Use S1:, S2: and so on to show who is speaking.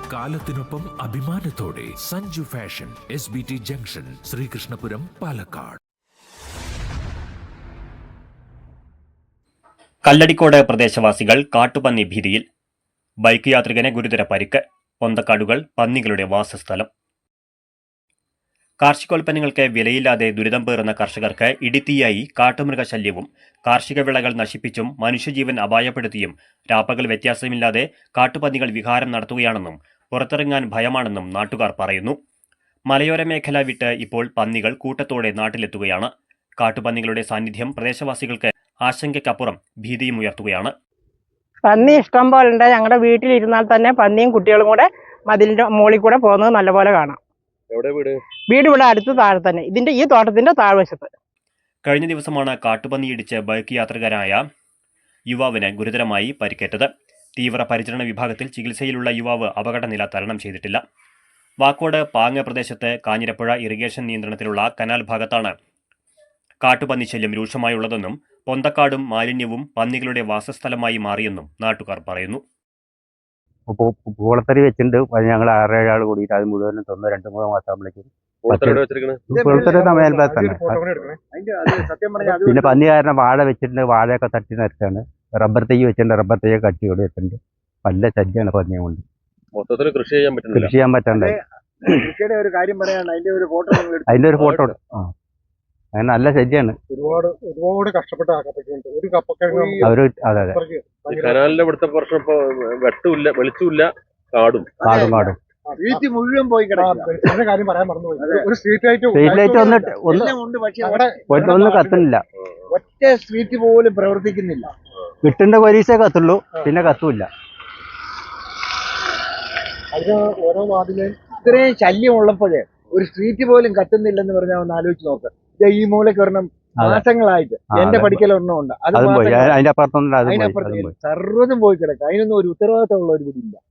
S1: കാലത്തിനൊപ്പം അഭിമാനത്തോടെ Sanju fashion SBT junction, Sreekrishnapuram, Palakkad.
S2: Kalladikode പ്രദേശവാസികൾ കാട്ടുപന്നി ഭീതിയിൽ. ബൈക്ക് യാത്രികന് ഗുരുതര പരിക്ക്. പൊന്തക്കാടുകൾ പന്നികളുടെ വാസസ്ഥലം. കാർഷികോൽപ്പന്നങ്ങൾക്ക് വിലയില്ലാതെ ദുരിതം പേറുന്ന കർഷകർക്ക് ഇടിത്തീയായി കാട്ടുമൃഗശല്യവും കാർഷിക വിളകൾ നശിപ്പിച്ചും മനുഷ്യജീവൻ അപായപ്പെടുത്തിയും രാപ്പകൽ വ്യത്യാസമില്ലാതെ കാട്ടുപന്നികൾ വിഹാരം നടത്തുകയാണെന്നും പുറത്തിറങ്ങാൻ ഭയമാണെന്നും നാട്ടുകാർ പറയുന്നു. മലയോര മേഖല വിട്ട് ഇപ്പോൾ പന്നികൾ കൂട്ടത്തോടെ നാട്ടിലെത്തുകയാണ്. കാട്ടുപന്നികളുടെ സാന്നിധ്യം പ്രദേശവാസികൾക്ക് ആശങ്കയ്ക്കപ്പുറം ഭീതിയും ഉയർത്തുകയാണ്.
S3: പന്നി ഇഷ്ടം പോലെ ഉണ്ട്. ഞങ്ങളുടെ വീട്ടിലിരുന്നാൽ തന്നെ പന്നിയും കുട്ടികളും കൂടെ മതിലിന്റെ മുകളിൽ കൂടെ പോകുന്നത് നല്ലപോലെ കാണാം. വീട് ഇവിടെ അടുത്ത് താഴെ തന്നെ, ഈ തോട്ടത്തിന്റെ താഴ്വശത്ത്.
S2: കഴിഞ്ഞ ദിവസമാണ് കാട്ടുപന്നി ഇടിച്ച് ബൈക്ക് യാത്രികരായ യുവാവിന് ഗുരുതരമായി പരിക്കേറ്റത്. തീവ്ര പരിചരണ വിഭാഗത്തിൽ ചികിത്സയിലുള്ള യുവാവ് അപകടനില തരണം ചെയ്തിട്ടില്ല. വാക്കോട് പാങ്ങ പ്രദേശത്ത് കാഞ്ഞിരപ്പുഴ ഇറിഗേഷൻ നിയന്ത്രണത്തിലുള്ള കനാൽ ഭാഗത്താണ് കാട്ടുപന്നി ശല്യം രൂക്ഷമായുള്ളതെന്നും പൊന്തക്കാടും മാലിന്യവും പന്നികളുടെ വാസസ്ഥലമായി മാറിയെന്നും നാട്ടുകാർ പറയുന്നു.
S4: പൂളത്തറി വെച്ചിട്ടുണ്ട്. ഞങ്ങൾ 6-7 ആൾ കൂടിയിട്ട് അത് മുഴുവനും 2-3 മാസമാകുമ്പോഴേക്കും പിന്നെ പന്നി കാരണം വാഴ വെച്ചിട്ടുണ്ട്. വാഴയൊക്കെ തട്ടി നിരത്താണ്. റബ്ബർ തൈ വെച്ചിട്ടുണ്ട്. റബ്ബർ തൈയൊക്കെ കട്ടിയോട് വെച്ചിട്ടുണ്ട്. നല്ല ശല്യമാണ് പന്നിയെ കൊണ്ട്.
S5: മൊത്തത്തിൽ കൃഷി ചെയ്യാൻ
S4: പറ്റണ്ടേ. അതിന്റെ ഒരു ഫോട്ടോ അങ്ങനെ നല്ല ശല്യമാണ്.
S6: ഒരുപാട് കഷ്ടപ്പെട്ട്
S4: അവര് അതെ
S5: കനാലിന്റെ ഇവിടുത്തെ പ്രശ്നം ഇപ്പൊ വെട്ടുമില്ല, വെളിച്ചമില്ല, കാടും
S6: മുഴുവൻ പോയി കാര്യം പറയാൻ മറന്നുപോയി. ഒരു സ്ട്രീറ്റ്
S4: ലൈറ്റ് ഒന്നും കത്തുന്നില്ല.
S6: ഒറ്റ സ്ട്രീറ്റ് പോലും പ്രവർത്തിക്കുന്നില്ല.
S4: കിട്ടേണ്ട പോലീസേ കത്തുള്ളൂ, പിന്നെ കത്തൂല്ല.
S6: അതിന് ഓരോ വാർഡിലും ഇത്രയും ശല്യം ഉള്ളപ്പോഴേ ഒരു സ്ട്രീറ്റ് പോലും കത്തുന്നില്ലെന്ന് പറഞ്ഞാൽ ഒന്ന് ആലോചിച്ച് നോക്ക്. ഈ മൂലയ്ക്ക് ഒരെണ്ണം മാസങ്ങളായിട്ട് എന്റെ പഠിക്കലൊരെണ്ണം ഉണ്ട്. അതിനപ്പുറത്ത് സർവ്വതും പോയി കിടക്കുക. അതിനൊന്നും ഒരു ഉത്തരവാദിത്തമുള്ള ഒരു വീടില്ല.